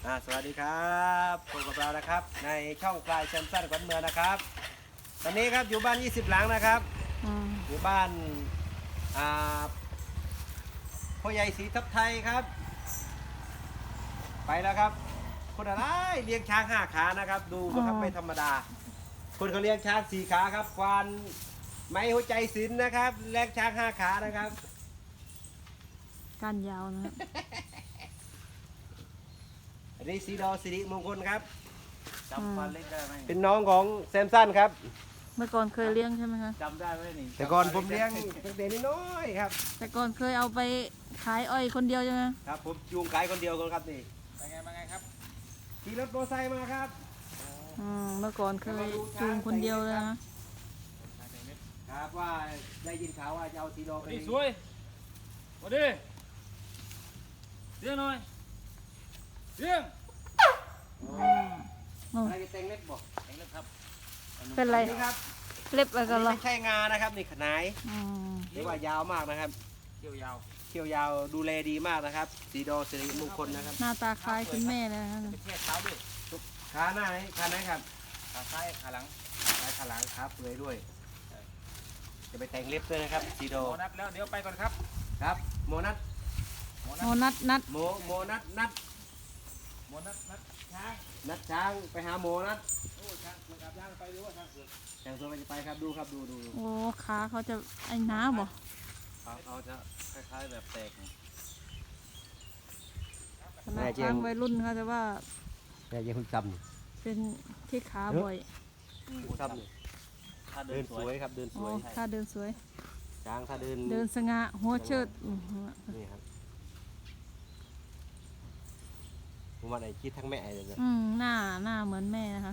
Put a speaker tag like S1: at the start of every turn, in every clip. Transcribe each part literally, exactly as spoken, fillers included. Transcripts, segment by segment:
S1: อ่าสวัสดีครับพบกับเรานะครับในช่องปลายแซมสันขวัญเมืองนะครับตอนนี้ครับอยู่บ้านยี่สิบหลังนะครับ
S2: อืม
S1: อยู่บ้านอ่าพ่อใหญ่ศรีทับไทยครับไปแล้วครับคนอะไรเลี้ยงช้างห้าขานะครับดูนะครับไม่ธรรมดา คนเขาเลี้ยงช้างสี่ขาครับควานไม้หัวใจศิลป์นะครับเลี้ยงช้างห้าขานะครับ
S2: ก้านยาวนะฮะ
S1: อันนี้สีดอสิริมงคลครับ
S3: จำฟันเล็กได้ไหม
S1: เป็นน้องของแซมสันครับ
S2: เมื่อก่อนเคยเลี้ยงใช่ไหมคะ
S3: จำได้ไหมนี่
S1: แต่ก่อนผมเลี้ยงตั้งแต่น้อยๆครับ
S2: แต่ก่อนเคยเอาไปขายอ้อยคนเดียวใช่ไหม
S1: ครับผมจูงขายคนเดียวกันครับนี่
S3: ไปไงมาไงครับ
S1: ขี่รถมอเตอร์ไซค์มาครับ
S2: อืมเมื่อก่อนเคยจูงคนเดียวเลยนะ
S1: ครับว่าได้ยินข่าวว่าจะเอาทีโรไป
S3: นี่สวยมาดิเรื่องหน่อยเรื่อง
S1: อะไรไปแต่งเล็บบอก
S3: เองเลยครับ
S2: เป็นไร
S1: นี่ครับ
S2: เล็บอะไร
S1: อั
S2: กัน
S1: น
S2: เหร
S1: นี้
S2: อ
S1: ไม่ใช่งานะครับนี่ขนาย
S2: อืม
S1: หรือว่ายาวมากนะครับ
S3: เกี่ยวยาว
S1: เขี้ยวยาวดูแลดีมากนะครับสีดอสิริมงคลนะครับ
S2: หน้าตาคล้ายคุณแม่เลยนะ
S3: ไปเทียบเท้าด้วย
S1: ขาหน้าไหนขาไหนครับ
S3: ขาซ้ายขาหลัง
S1: ขาขาหลังขาเปื่อยด้วย จะไปแต่งเล็บด้วยนะครับสีดอ
S3: โมนัดแล้วเดี๋ยวไปก่อนครับ
S1: ครับโมนัท
S3: โมนั
S2: โม
S3: ด
S2: นัดนัด
S1: โมโมนัทนัด
S3: โมนัดนัดช้าง
S1: นัดช้างไปหาโมนัท
S3: โอ้ช้างเผือกกับย่างไปดูว่าช้างเผือก
S1: ช้างตัวไปจะไปครับดูครับดูดูดู
S2: โอ้ขาเขาจะไอ้น้าบ่
S3: เขาเขาจะคล้ายๆแบบแตก
S2: ขนาดช้างวัยรุ่นเขาจะว่า
S1: แต่ยังคุณจำนี่
S2: เป็นที่ขาบ่อย
S1: จำนี่
S3: ถ้าเดิ
S1: เดิ
S3: น
S1: น
S3: ส
S1: ส
S3: ว
S1: วย ยครับเดินส
S2: อ๋อ
S1: วย
S2: ท่าเดินสวย
S1: ช้างถ้าเดิน
S2: เดินสง่าหัวเชิดอืม
S1: นี่ครับผมว่าไหนคิดทั้งแม่เลยนะ
S2: อืมหน้าหน้าเหมือนแม่นะคะ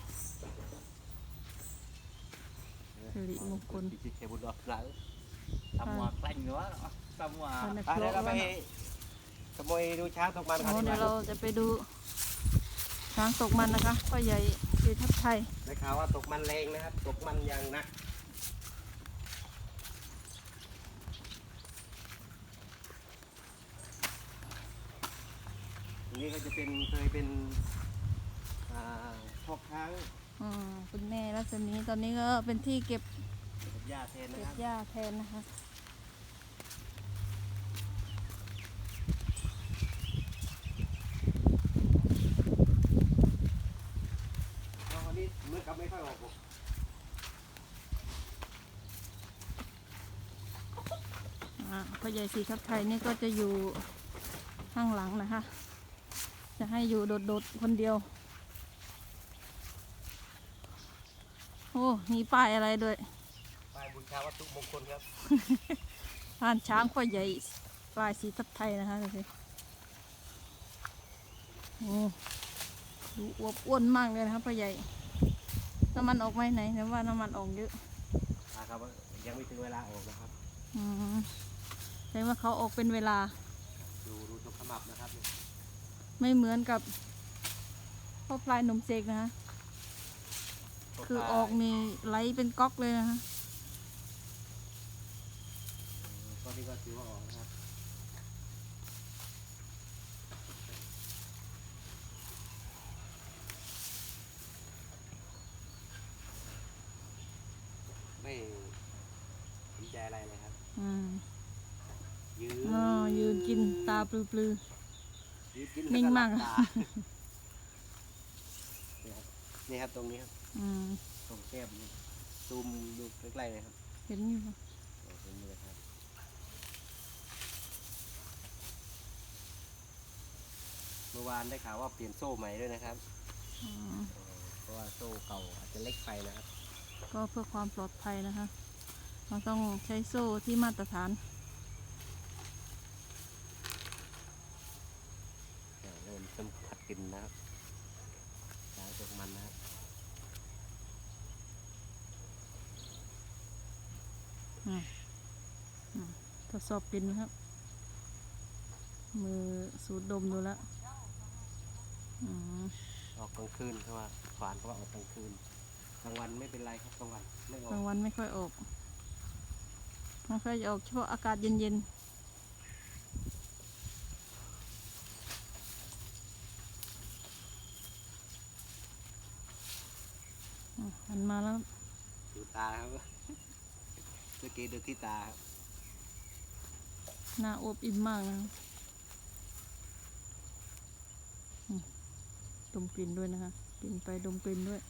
S2: สิริมงคล
S1: คิดแค่บุญรอดหลัง
S3: ทำหัวแกล้งเนื้อทำหัว
S2: คนใน
S1: ไป
S2: ครั
S1: เดี๋ยว
S2: ว
S1: เราไป
S2: ว่า
S1: ขโมยดูช้างตกมันครับ
S2: โอ้
S1: ดีก
S2: เดี๋ยว
S1: ว่า
S2: เราจะไปดูช้างตกมันนะคะพ่อใหญ่ศรีทับไทย
S1: ได้ข่าวว่าตกมันแรงนะครับ ตกมันอย่างหนักตรงนี้ก็จะเป็นเคยเป็นอ่าพอกช้าง
S2: อืมคุณแม่รัศมีตอนนี้ก็เป็นที่เก็บ
S1: เก็บหญ้าแทนนะ
S2: เก็
S1: ครับ
S2: บหญ้าแทนนะคะ
S1: เอาวันนี้มือกับไม่ค่อยออกผม
S2: อ่าพ่อใหญ่ศรีทับไทยนี่ก็จะอยู่ข้างหลังนะคะ จะให้อยู่โดดๆคนเดียวโอ้มีป้ายอะไรด้วย
S1: ป้ายบูชาวัตถุมงคลครับ
S2: ผ่านช้างพ่อใหญ่ป้ายศรีทับไทยนะคะดูสิโอ้ดูอวบอ้วนมากเลยนะครับพ่อใหญ่น้ำมันออกไหมไหนเดี๋ยวว่าน้ำมันออกเยอะ
S1: นะครับยังไม่ถึงเวลาออกนะครับ
S2: อืมแสดงว่าเขาออกเป็นเวลา
S1: ดูดูตรงขมับนะครับ
S2: ไม่เหมือนกับพ่อพลายหนุ่มเสกนะคะคือออกมีไหลเป็นก๊อกเลยนะคะ
S1: ก็นี่ก็ถือว่าออกนะครับไม่สนใจอะไรเลยครับ
S2: อืม
S1: ยืน
S2: อ๋อยืนกินตาปลือ
S1: ยืนกิน
S2: นิ่งมาก
S1: แล้วหลับตนี่ครับนี่ครับตรงนี้ครับ
S2: ๆอืม
S1: ตรงแก้มนี่ซูมดูใกล้ๆเลยครับ
S2: เห็นอยู่ค่ะ
S1: ตรงนี้เลยครับเมื่อวานได้ข่าวว่าเปลี่ยนโซ่ใหม่ด้วยนะครับ
S2: อืม
S1: เพราะว่าโซ่เก่าอาจจะเล็กไปนะครับ
S2: ก็เพื่อความปลอดภัยนะคะ เราต้องใช้โซ่ที่มาตรฐาน
S1: เดี๋ยวเริ่มสัมผัสกลินนะครับล้างตกมันนะครับ
S2: อืมอืมทดสอบกลินนะครับ มือสูดดมดูแล้วอืม
S1: ออกกลางคืนเพราะว่าฝานเพราะว่าออกกลางคืนกลางวันไม่เป็นไรครับกลางวันไม่ออก
S2: กลางวันไม่ค่อยออกไม่ค่อยจะออกเฉพาะอากาศเย็นๆหันมาแล้ว
S1: ดูตาครับเมื่อกี้ดูที่ตาครับ
S2: หน้าอวบอิ่มมากนะอืมดมกลิ่นด้วยนะคะกินไปดมกลิ่นด้วย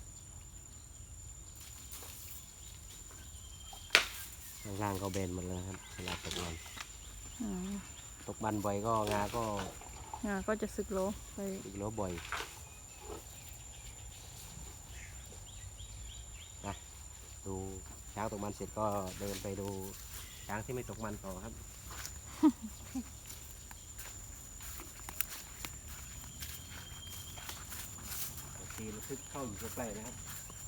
S1: ข้างล่างก็เบนหมดแล้วครับเวลาตกมัน
S2: อืม
S1: ตกมันบ่อยก็งาก็
S2: งาก็จะสึกโลไป
S1: อีกโลบ่อยนะดูช้างตกมันเสร็จก็เดินไปดูช้างที่ไม่ตกมันต่อครับ ทีระทึกเข้าอยู่ใกล้ๆนะครับ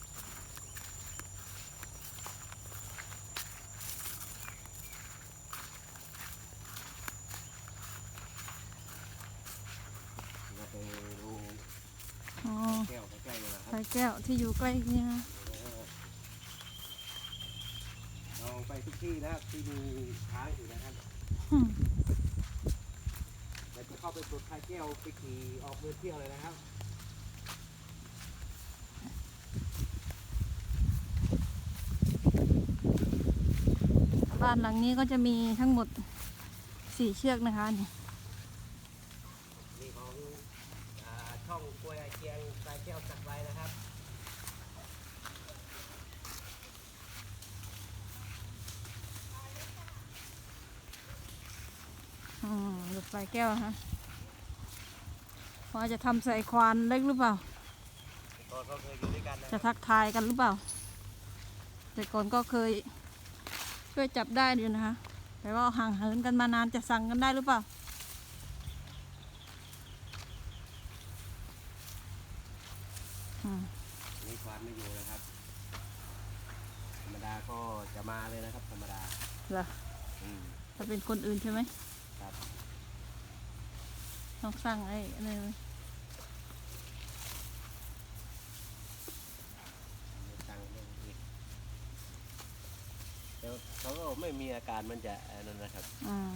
S1: เราไปดู
S2: อ๋อ
S1: แก้วใกล้ๆเลยนะค
S2: สา
S1: รับ
S2: ยแก้วที่อยู่ใกล้นี่นะ
S1: เราไปทุกที่นะครับที่มีช้างอยู่นะครับ
S2: อืม
S1: เราจะเข้าไปปลดสายแก้วไปขี่ออกเดินเที่ยวเลยนะครับ
S2: บ้านหลังนี้ก็จะมีทั้งหมดสี่เชือกนะคะนี่
S1: มีของอ่าช่องกล้วยไอเจียงสายแก้วจัดไว้นะครับ
S2: อืมหลุดสายแก้วฮะว่าจะทำใส่ควานเล็กหรือเปล่า
S1: ก่อนก็เคยอยู่ด้วยกันนะ
S2: จะทักทายกันหรือเปล่า แต่ก่อนก็เคยช่วยจับได้อยู่นะคะ แต่ว่าห่างเหินกันมานานจะสั่งกันได้หรือเปล่าอืม
S1: นี่ควานไม่อยู่นะครับ ธรรมดาก็จะมาเลยนะครับ ธรรมดา
S2: เหรอ
S1: อืม
S2: ถ้าเป็นคนอื่นใช่ไหม
S1: ครับ
S2: ต้องสั่งไอ้อะไรไว้
S1: ไม่ตังค์ไม่อีกแต่เขาก็ไม่มีอาการมันจะอันนั้นนะครับ
S2: อ่า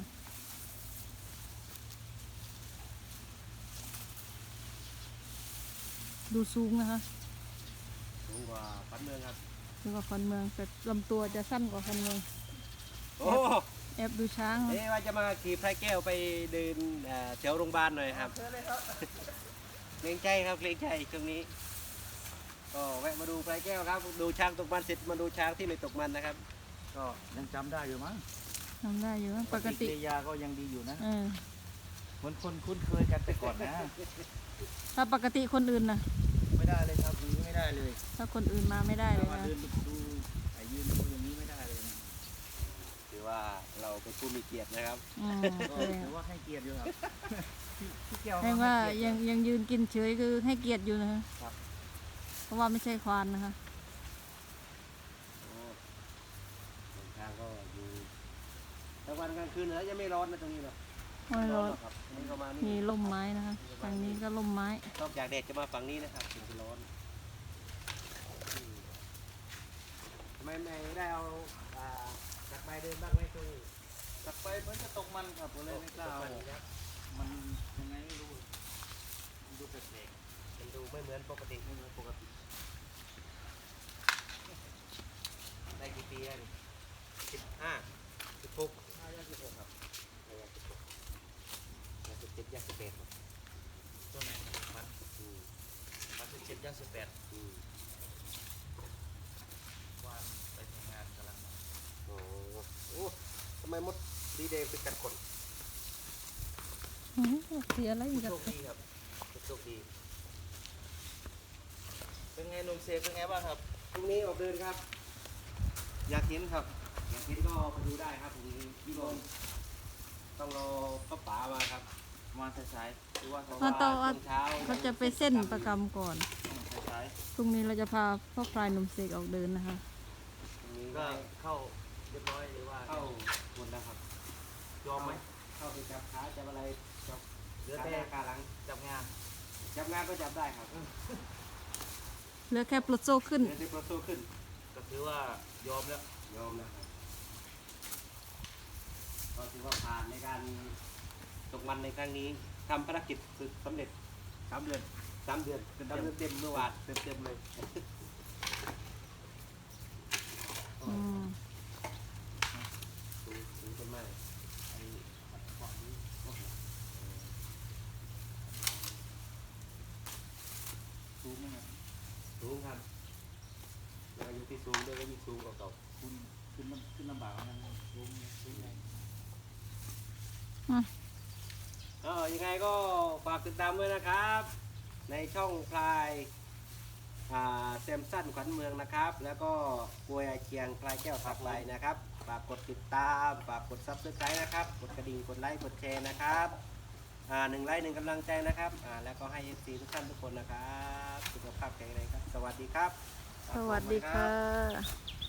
S2: ดูสูงนะคะ
S1: สูงกว่าฟันเมืองครับ
S2: สูงกว่าคนเมืองแต่ลำตัวจะสั้นกว่าคนเมือง
S1: โอ้
S2: แอบดูช้างนะ
S1: เอ๊ะว่าจะมาขี่พายแก้วไปเดินเอ่อแถวโรงพยาบาลหน่อยครับเกรงใจครับเกรงใจช่วงนี้ ก็แวะมาดูพายแก้วครับ ดูช้างตกมันเสร็จมาดูช้างที่ไม่ตกมันนะครับ
S3: ก็ยังจำได้อยู่มั้ง
S2: ทำได้อยู่นะปกติ
S3: ริยาก็ยังดีอยู่นะ
S2: เออ
S3: เหมือนคนคุ้นเคยกันแต่ก่อนนะ
S2: ถ้าปกติคนอื่นนะ
S3: ไม่ได้เลยครับอย่างนี้ไม่ได้เลย
S2: ถ้าคนอื่นมาไม่ได้เลย
S3: มา
S2: นะ
S3: เดินดูไอ้ยืนดูอย่างนี้ไม่ได้เลยนะ
S1: ถือว่าเราเป็นผู้มีเกียรตินะครับ
S2: อืม
S3: ก็
S2: แสดง
S3: ถือว่าให้เกียรติอยู่ครับพี่พี่แก้ว
S2: ให้ว่า
S3: ให้เกี
S2: ยั
S3: ร
S2: ง
S3: ติ
S2: ยังยืนกินเฉยคือให้เกียรติอยู่นะคะ
S3: ครับ
S2: เพราะว่าไม่ใช่ควานนะคะ
S1: โอ้บางทางก็อยู่กลางวันกลางคืนเหรอยังไม่ร้อนนะตรงนี้หรอก
S2: ไม่ร้อน
S1: หรอกครับนี่ก็มา
S2: มี
S1: นี่
S2: ร่มไม้นะคะทางนี้ก็ร่มไม้
S1: นอกจากแดดจะมาฝั่งนี้นะครับถึงจะร้อนอืมทำไมไม่ได้เอาอ่าจักรใบเดินบ้างไหมตรงนี้
S3: กลับไปมันจะตกมันครับผมเลยไม่กล้าเอา
S1: ตกมันครับ
S3: มันยังไงไม่รู้มันดูแปลก
S1: มันดูไม่เหมือนปกติ
S3: ๆไม่เหมือนปกติ
S1: ได้กี่ปีแล้วนี่สิบห้าสิบหก
S3: ห้าย่างสิบหกครับ
S1: ย่างสิบหกย่างสิบเจ็ดย่างสิบแปดครับ
S3: ตัวไหนมัน
S1: อืม
S3: มันสิบเจ็ดย่างสิบแปด
S1: อืม
S3: วันไปทำงานกำลังมา
S1: โอ้โอ้ทำไมมดสีแดงเป็นกัดคน
S2: อืมเสียอะไรอีก
S1: โช
S2: อะ
S1: คดีครับโชคดี
S3: เป็นไงหนุ่มเซฟเป็นไงบ้างครับ
S1: พรุ่งนี้ออกเดินครับ อยากเห็นครับอยากเห็นก็ไปดูได้ครับพรุ่งนี้พี่บอลต้องรอป้าป๋ามาครับ
S3: มาสายๆหรือว่าเขา
S2: เพราะตอน
S1: ช่วงเช้า
S2: เขาจะไปเส้นประกรรมก่อน
S3: สาย
S2: พรุ่งนี้เราจะพาพ่อพลายหนุ่มเสกออกเดินนะคะ
S1: พรุ่งนี้
S3: ๆ
S1: ก็
S3: ก็เข้าเรียบร้อยหรือว่า
S1: เข้าหมดแล้วครับ
S3: ยอมไหม
S1: เข้าไปจับขาจับอะไรจับ
S3: เหลือ
S1: ขา
S3: แต่
S1: หน้าขาหลัง
S3: จับงาน
S1: จับงานก็จับได้ครับ
S2: เหลือแค่ปลดโซ่ขึ้น
S1: เดี๋ยวจะโปรโซขึ้น
S3: ก็ถือว่ายอมแล้ว
S1: ยอมนะครับก็ถือว่าผ่านในการตกมันในครั้งนี้ทำภารกิจสำเร็จ
S3: สามเดือน
S1: สามเดือนสามเดือนเต็มเมื่อวานเต็มเต็มๆเลยที่สูงด้วยก็ยิ่งสูงกว่าเก่า
S3: คุณขึ้นลำขึ้นลำบากมันลงลงไง
S2: อืม
S1: เออยังไงก็ฝากติดตามด้วยนะครับ ในช่องพลายอ่าแซมสันขวัญเมืองนะครับ แล้วก็กล้วยอาเชียงพลายแก้วสักลายนะครับฝากกดติดตามฝากกดซับสไครต์นะครับกดกระดิ่งกดไลค์กดแชร์นะครับอ่าหนึ่งไลค์หนึ่งกำลังใจนะครับอ่าแล้วก็ให้เอฟซีทุกท่านทุกคนนะครับสุขภาพแข็งแรงครับสวัสดีครับ
S2: สวัสดีค่ะ